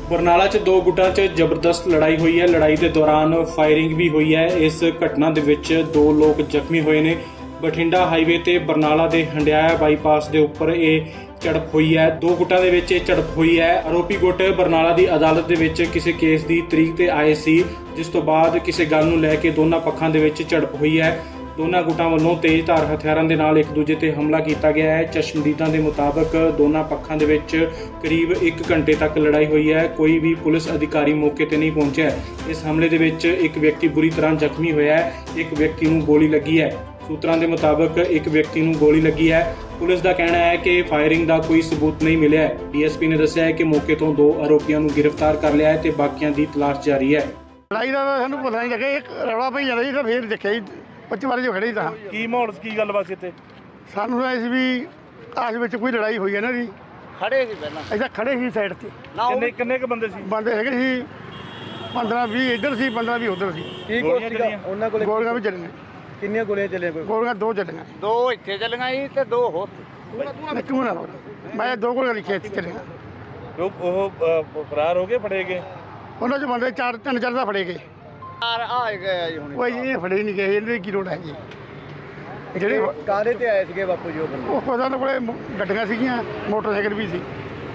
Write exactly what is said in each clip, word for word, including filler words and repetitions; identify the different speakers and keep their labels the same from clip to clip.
Speaker 1: ਬਰਨਾਲਾ 'ਚ ਦੋ ਗੁੱਟਾਂ 'ਚ ਜ਼ਬਰਦਸਤ ਲੜਾਈ ਹੋਈ ਹੈ। ਲੜਾਈ ਦੇ ਦੌਰਾਨ ਫਾਇਰਿੰਗ ਵੀ ਹੋਈ ਹੈ। ਇਸ ਘਟਨਾ ਦੇ ਵਿੱਚ ਦੋ ਲੋਕ ਜ਼ਖਮੀ ਹੋਏ ਨੇ। ਬਠਿੰਡਾ ਹਾਈਵੇ ਤੇ ਬਰਨਾਲਾ ਦੇ ਹੰਡਿਆਇਆ ਬਾਈਪਾਸ ਦੇ ਉੱਪਰ ਇਹ ਝੜਪ ਹੋਈ ਹੈ। ਦੋ ਗੁੱਟਾਂ ਦੇ ਵਿੱਚ ਇਹ ਝੜਪ ਹੋਈ ਹੈ। ਆਰੋਪੀ ਗੁੱਟ ਬਰਨਾਲਾ ਦੀ ਅਦਾਲਤ ਦੇ ਵਿੱਚ ਕਿਸੇ ਕੇਸ ਦੀ ਤਰੀਕ ਤੇ ਆਏ ਸੀ, ਜਿਸ ਤੋਂ ਬਾਅਦ ਕਿਸੇ ਗੱਲ ਨੂੰ ਲੈ ਕੇ ਦੋਨਾਂ ਪੱਖਾਂ ਦੇ ਵਿੱਚ ਝੜਪ ਹੋਈ ਹੈ। ਦੋਨਾਂ ਗੁੱਟਾਂ ਵੱਲੋਂ ਤੇਜ਼ਧਾਰ ਹਥਿਆਰਾਂ ਦੇ ਨਾਲ ਇੱਕ ਦੂਜੇ ਤੇ ਹਮਲਾ ਕੀਤਾ ਗਿਆ ਹੈ। ਚਸ਼ਮਦੀਦਾਂ ਦੇ ਮੁਤਾਬਕ ਦੋਨਾਂ ਪੱਖਾਂ ਦੇ ਵਿੱਚ ਕਰੀਬ ਇੱਕ ਘੰਟੇ ਤੱਕ ਲੜਾਈ ਹੋਈ ਹੈ। ਕੋਈ ਵੀ ਪੁਲਿਸ ਅਧਿਕਾਰੀ ਮੌਕੇ ਤੇ ਨਹੀਂ ਪਹੁੰਚਿਆ। ਇਸ ਹਮਲੇ ਦੇ ਵਿੱਚ ਇੱਕ ਵਿਅਕਤੀ ਬੁਰੀ ਤਰ੍ਹਾਂ ਜ਼ਖਮੀ ਹੋਇਆ ਹੈ। ਇੱਕ ਵਿਅਕਤੀ ਨੂੰ ਗੋਲੀ ਲੱਗੀ ਹੈ। ਸੂਤਰਾਂ ਦੇ ਮੁਤਾਬਕ ਇੱਕ ਵਿਅਕਤੀ ਨੂੰ ਗੋਲੀ ਲੱਗੀ ਹੈ। ਪੁਲਿਸ ਦਾ ਕਹਿਣਾ ਹੈ ਕਿ ਫਾਇਰਿੰਗ ਦਾ ਕੋਈ ਸਬੂਤ ਨਹੀਂ ਮਿਲਿਆ ਹੈ। ਡੀਐਸਪੀ ਨੇ ਦੱਸਿਆ ਹੈ ਕਿ ਮੌਕੇ ਤੋਂ ਦੋ ਆਰੋਪੀਆਂ ਨੂੰ ਗ੍ਰਿਫਤਾਰ ਕਰ ਲਿਆ ਹੈ ਤੇ ਬਾਕੀਆਂ ਦੀ ਤਲਾਸ਼ ਜਾਰੀ ਹੈ।
Speaker 2: ਲੜਾਈ ਦਾ ਸਾਨੂੰ ਪਤਾ ਨਹੀਂ ਲੱਗਿਆ, ਇੱਕ ਰੌਲਾ ਪਈ ਜਾਂਦਾ ਜੀ ਤਾਂ ਫਿਰ ਦੇਖਿਆ ਜੀ ਪੱਚੀ ਵਾਰੀ ਜੋ ਖੜੇ ਤਾਂ
Speaker 3: ਕੀ ਮਾਹੌਲ ਕੀ ਗੱਲਬਾਤ ਸੀ ਇੱਥੇ?
Speaker 2: ਸਾਨੂੰ ਤਾਂ ਇਸ ਵੀ ਆਸ ਵਿੱਚ ਕੋਈ ਲੜਾਈ ਹੋਈ ਹੈ ਨਾ ਜੀ।
Speaker 4: ਖੜੇ ਸੀ ਪਹਿਲਾਂ
Speaker 2: ਅਸੀਂ ਖੜੇ ਸੀ ਸਾਈਡ ਤੇ,
Speaker 3: ਕਿੰਨੇ ਕਿੰਨੇ ਕ ਬੰਦੇ ਸੀ?
Speaker 2: ਬੰਦੇ ਹੈਗੇ ਸੀ ਪੰਦਰਾਂ ਵੀਹ ਇੱਧਰ ਸੀ, ਪੰਦਰਾਂ ਵੀਹ ਉੱਧਰ ਸੀ।
Speaker 3: ਕੀ ਗੋਲੀਆਂ ਚੱਲੀਆਂ?
Speaker 5: ਉਹਨਾਂ ਕੋਲੇ
Speaker 2: ਗੋਲੀਆਂ ਵੀ ਚੱਲੀਆਂ,
Speaker 5: ਕਿੰਨੀਆਂ ਗੋਲੀਆਂ ਚੱਲੀਆਂ? ਕੋਈ
Speaker 2: ਗੋਲੀਆਂ ਦੋ ਚੱਲੀਆਂ।
Speaker 4: ਦੋ ਇੱਥੇ ਚੱਲੀਆਂ ਸੀ ਤੇ ਦੋ ਹੋਰ
Speaker 2: ਕਿਉਂ ਨਾ ਮੈਂ ਦੋ ਗੋਲੀਆਂ ਲਿਖੀਆਂ ਇੱਥੇ ਚੱਲੀਆਂ।
Speaker 3: ਉਹ ਉਹ ਅਹ, ਫਰਾਰ ਹੋ ਗਏ, ਫੜੇ ਗਏ?
Speaker 2: ਉਹਨਾਂ 'ਚ ਬੰਦੇ ਚਾਰ ਤਿੰਨ ਚਾਰ ਦਾ ਫੜੇ ਗਏ।
Speaker 4: ਯਾਰ ਆ ਗਏ ਆ ਜੀ ਹੁਣ।
Speaker 2: ਉਹ ਜੀ ਇਹ ਫੜੇ ਨਹੀਂ ਗਏ, ਇਹਦੇ ਕੀ ਲੋੜ ਹੈ ਜੀ। ਜਿਹੜੇ
Speaker 5: ਕਾਹਦੇ ਤੇ ਆਏ ਸੀਗੇ ਬਾਪੂ ਜੀ ਉਹ ਬੰਦੇ?
Speaker 2: ਉਹ ਉਹਨਾਂ ਦੇ ਕੋਲੇ ਗੱਡੀਆਂ ਸੀਗੀਆਂ, ਮੋਟਰਸਾਈਕਲ ਵੀ ਸੀ,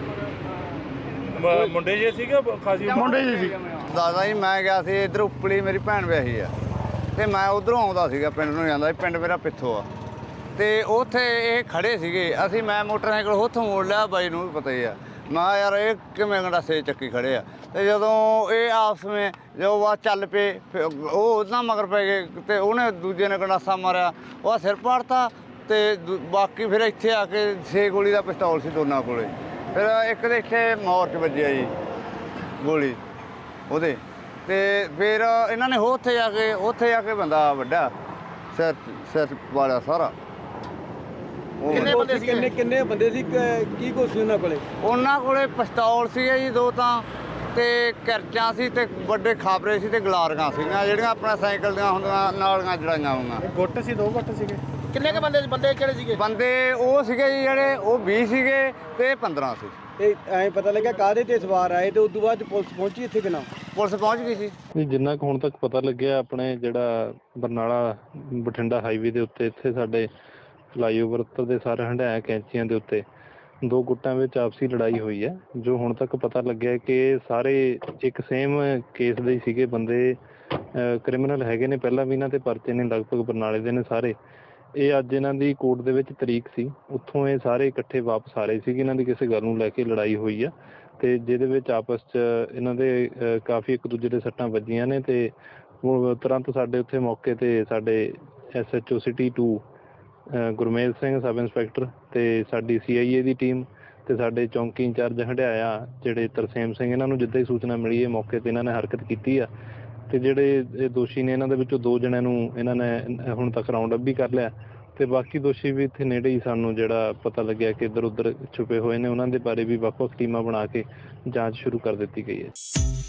Speaker 3: ਮ- ਮੁੰਡੇ ਜੇ ਸੀਗੇ ਖਾਸੀ ਉਮਰ?
Speaker 2: ਮੁੰਡੇ ਜੀ ਸੀ।
Speaker 4: ਦਾਦਾ ਜੀ ਮੈਂ ਗਿਆ ਸੀ ਇੱਧਰ ਉੱਪਲੀ, ਮੇਰੀ ਭੈਣ ਵਿਆਹੀ ਆ ਤੇ ਮੈਂ ਉਧਰੋਂ ਆਉਂਦਾ ਸੀਗਾ, ਪਿੰਡ ਨੂੰ ਜਾਂਦਾ ਸੀ। ਪਿੰਡ ਮੇਰਾ ਪਿੱਥੋਂ ਆ ਤੇ ਉੱਥੇ ਇਹ ਖੜੇ ਸੀਗੇ। ਅਸੀਂ ਮੈਂ ਮੋਟਰਸਾਈਕਲ ਉੱਥੋਂ ਮੋੜ ਲਿਆ, ਬਾਈ ਨੂੰ ਵੀ ਪਤਾ ਹੀ ਆ। ਮੈਂ ਕਿਹਾ ਯਾਰ ਇਹ ਕਿਵੇਂ ਗੰਡਾਸੇ ਚੱਕੀ ਖੜੇ ਆ। ਤੇ ਜਦੋਂ ਇਹ ਆਪਸ ਵਿੱਚ ਜੋ ਵਾ ਚੱਲ ਪਏ, ਫਿਰ ਉਹ ਉਹਦਾ ਮਗਰ ਪੈ ਗਏ ਤੇ ਉਹਨੇ ਦੂਜੇ ਨੇ ਗੰਡਾਸਾ ਮਾਰਿਆ, ਉਹ ਸਿਰ ਪਾੜਤਾ ਤੇ ਦੂ- ਬਾਕੀ ਫਿਰ ਇੱਥੇ ਆ ਕੇ ਛੇ ਗੋਲੀ ਦਾ ਪਿਸਤੌਲ ਸੀ ਦੋਨਾਂ ਕੋਲੇ। ਫਿਰ ਇੱਕ ਦੇ ਇੱਥੇ ਮੋਰ 'ਚ ਵੱਜਿਆ ਜੀ ਗੋਲੀ ਉਹਦੇ, ਤੇ ਫਿਰ ਇਹਨਾਂ ਨੇ ਉੱਥੇ ਜਾ ਕੇ ਉੱਥੇ ਜਾ ਕੇ ਬੰਦਾ ਵੱਡਾ ਸਿਰ ਸਿਰ ਵਾਲਾ ਸਾਰਾ। ਉਹ
Speaker 5: ਕਿੰਨੇ ਬੰਦੇ ਸੀ? ਕਿੰਨੇ ਕਿੰਨੇ ਬੰਦੇ ਸੀ? ਕ- ਕੀ ਕੁਛ ਸੀ ਉਹਨਾਂ ਕੋਲੇ?
Speaker 4: ਉਹਨਾਂ ਕੋਲੇ ਪਿਸਤੌਲ ਸੀਗੇ ਜੀ ਦੋ ਤਾਂ, ਤੇ ਕਰਚਾਂ ਸੀ ਤੇ ਵੱਡੇ ਖਾਬਰੇ ਸੀ ਤੇ ਗਲਾਰੀਆਂ ਸੀਗੀਆਂ ਜਿਹੜੀਆਂ ਆਪਣਾ ਸਾਈਕਲ ਦੀਆਂ ਹੁੰਦੀਆਂ ਨਾਲੀਆਂ ਜੜਾਈਆਂ ਹੋਈਆਂ।
Speaker 3: ਗੁੱਟ ਸੀ, ਦੋ ਗੁੱਟ ਸੀਗੇ?
Speaker 4: ਕਿੰਨੇ ਕ ਬੰਦੇ ਬੰਦੇ ਕਿਹੜੇ ਸੀਗੇ? ਬੰਦੇ ਉਹ ਸੀਗੇ ਜੀ ਜਿਹੜੇ ਉਹ ਵੀਹ ਸੀਗੇ ਤੇ ਪੰਦਰਾਂ ਸੀ।
Speaker 5: ਇਹ ਐਂ ਪਤਾ ਲੱਗਿਆ ਕਾਹਦੇ ਤੇ ਸਵਾਰ ਆਏ ਤੇ ਉਸ ਤੋਂ ਬਾਅਦ 'ਚ ਪੁਲਿਸ ਪਹੁੰਚੀ ਇੱਥੇ ਕਿਨਾਂ?
Speaker 4: ਪੁਲਿਸ ਪਹੁੰਚ ਗਈ ਸੀ।
Speaker 6: ਨਹੀਂ, ਜਿੰਨਾ ਕੁ ਹੁਣ ਤੱਕ ਪਤਾ ਲੱਗਿਆ, ਆਪਣੇ ਜਿਹੜਾ ਬਰਨਾਲਾ ਬਠਿੰਡਾ ਹਾਈਵੇ ਦੇ ਉੱਤੇ ਇੱਥੇ ਸਾਡੇ ਫਲਾਈਓਵਰ ਉੱਤੇ ਦੇ ਸਾਰੇ ਹੰਡਾਇਆ ਕੈਂਚੀਆਂ ਦੇ ਉੱਤੇ ਦੋ ਗੁੱਟਾਂ ਵਿੱਚ ਆਪਸੀ ਲੜਾਈ ਹੋਈ ਹੈ। ਜੋ ਹੁਣ ਤੱਕ ਪਤਾ ਲੱਗਿਆ ਕਿ ਸਾਰੇ ਇੱਕ ਸੇਮ ਕੇਸ ਦੇ ਹੀ ਸੀਗੇ ਬੰਦੇ, ਕ੍ਰਿਮੀਨਲ ਹੈਗੇ ਨੇ, ਪਹਿਲਾਂ ਵੀ ਇਹਨਾਂ ਤੇ ਪਰਚੇ ਨੇ, ਲਗਭਗ ਬਰਨਾਲੇ ਦੇ ਨੇ ਸਾਰੇ। ਇਹ ਅੱਜ ਇਹਨਾਂ ਦੀ ਕੋਰਟ ਦੇ ਵਿੱਚ ਤਰੀਕ ਸੀ, ਉੱਥੋਂ ਇਹ ਸਾਰੇ ਇਕੱਠੇ ਵਾਪਸ ਆ ਰਹੇ ਸੀਗੇ। ਇਹਨਾਂ ਦੀ ਕਿਸੇ ਗੱਲ ਨੂੰ ਲੈ ਕੇ ਲੜਾਈ ਹੋਈ ਆ ਤੇ ਜਿਹਦੇ ਵਿੱਚ ਆਪਸ 'ਚ ਇਹਨਾਂ ਦੇ ਅਹ, ਕਾਫੀ ਇੱਕ ਦੂਜੇ ਦੇ ਸੱਟਾਂ ਵੱਜੀਆਂ ਨੇ ਤੇ ਉਹ ਤੁਰੰਤ ਸਾਡੇ ਉੱਥੇ ਮੌਕੇ ਤੇ ਸਾਡੇ S H O city two Gurmel Singh sub inspector ਤੇ ਸਾਡੀ ਸੀ ਆਈ ਏ ਦੀ ਟੀਮ ਤੇ ਸਾਡੇ ਚੌਂਕੀ ਇੰਚਾਰਜ ਹੰਡਿਆਇਆ ਜਿਹੜੇ ਤਰਸੇਮ ਸਿੰਘ, ਇਹਨਾਂ ਨੂੰ ਜਿੱਦਾਂ ਹੀ ਸੂਚਨਾ ਮਿਲੀ ਹੈ ਮੌਕੇ ਤੇ ਇਹਨਾਂ ਨੇ ਹਰਕਤ ਕੀਤੀ ਆ ਤੇ ਜਿਹੜੇ ਇਹ ਦੋਸ਼ੀ ਨੇ ਇਹਨਾਂ ਦੇ ਵਿੱਚੋਂ ਦੋ ਜਣਿਆਂ ਨੂੰ ਇਹਨਾਂ ਨੇ ਹੁਣ ਤੱਕ ਰਾਉਂਡ ਅਪ ਵੀ ਕਰ ਲਿਆ ਤੇ ਬਾਕੀ ਦੋਸ਼ੀ ਵੀ ਇੱਥੇ ਨੇੜੇ ਹੀ ਸਾਨੂੰ ਜਿਹੜਾ ਪਤਾ ਲੱਗਿਆ ਕਿ ਇੱਧਰ ਉੱਧਰ ਛੁਪੇ ਹੋਏ ਨੇ, ਉਹਨਾਂ ਦੇ ਬਾਰੇ ਵੀ ਵੱਖ ਵੱਖ ਟੀਮਾਂ ਬਣਾ ਕੇ ਜਾਂਚ ਸ਼ੁਰੂ ਕਰ ਦਿੱਤੀ ਗਈ ਹੈ।